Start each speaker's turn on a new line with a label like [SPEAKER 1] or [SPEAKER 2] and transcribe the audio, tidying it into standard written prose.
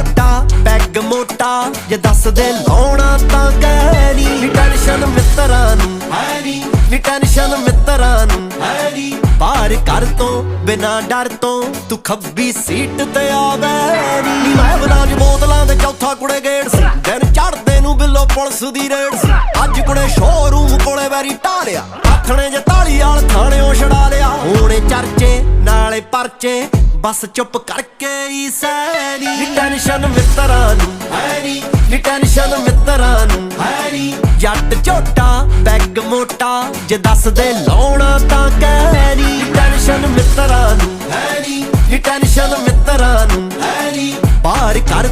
[SPEAKER 1] ਝੋਟਾ peg ਮੋਟਾ ਜੇ ਦੱਸ ਦੇ ਲਾਉਣਾ ਤਾਂ ਕਹਿ ਨੀ ਟੈਨਸ਼ਨ ਮਿੱਤਰਾਂ ਨੂੰ ਹੈ ਨੀ ਟੈਨਸ਼ਨ ਮਿੱਤਰਾਂ ਨੂੰ ਹੈ ਨੀ ਪਾਰ ਕਰ ਤੋਂ ਬਿਨਾ ਡਰ ਤੋਂ ਤੂੰ ਖੱਬੀ ਸੀਟ ਤੇ ਆਵੇ ਨੀ ਮੈਂ ਬਲਾਜ ਬੋਤਲਾਂ ਦੇ ਚੌਥਾ ਕੁੜੇ ਗੇੜ ਸੀ ਦਿਨ ਚੜਦੇ ਨੂੰ ਬਿੱਲੋ ਪੁਲਿਸ ਦੀ ਰੇਡ ਸੀ ਅੱਜ ਕੁੜੇ ਸ਼ੋਰੂਮ ਕੋਲੇ ਵੈਰੀ ਢਾਲਿਆ ਆਥਣੇ ਜੇ ਤਾਲੀ ਵਾਲ ਥਾਣਿਓਂ ਛਡਾ ਲਿਆ ਹੋਣੇ ਚਰਚੇ ਨਾਲੇ ਪਰਚੇ ਬਸ ਚੁੱਪ ਕਰਕੇ ਹੀ ਸੈਨੀ ਟੈਨਸ਼ਨ ਮਿੱਤਰਾਂ ਨੂੰ ਹੈ ਨੀ ਟੈਨਸ਼ਨ ਮਿੱਤਰਾਂ ਨੂੰ ਹੈ ਨੀ ਜੱਟ ਝੋਟਾ ਪੈਗ ਮੋਟਾ ਜੇ ਦੱਸ ਦੇ ਲਾਉਣਾ ਤਾਂ ਕਹਿ ਨੀ ਟੈਨਸ਼ਨ ਮਿੱਤਰਾਂ ਨੂੰ ਹੈ ਨੀ ਟੈਨਸ਼ਨ ਮਿੱਤਰਾਂ ਨੂੰ ਹੈ ਨੀ ਪਾਰ ਕਰ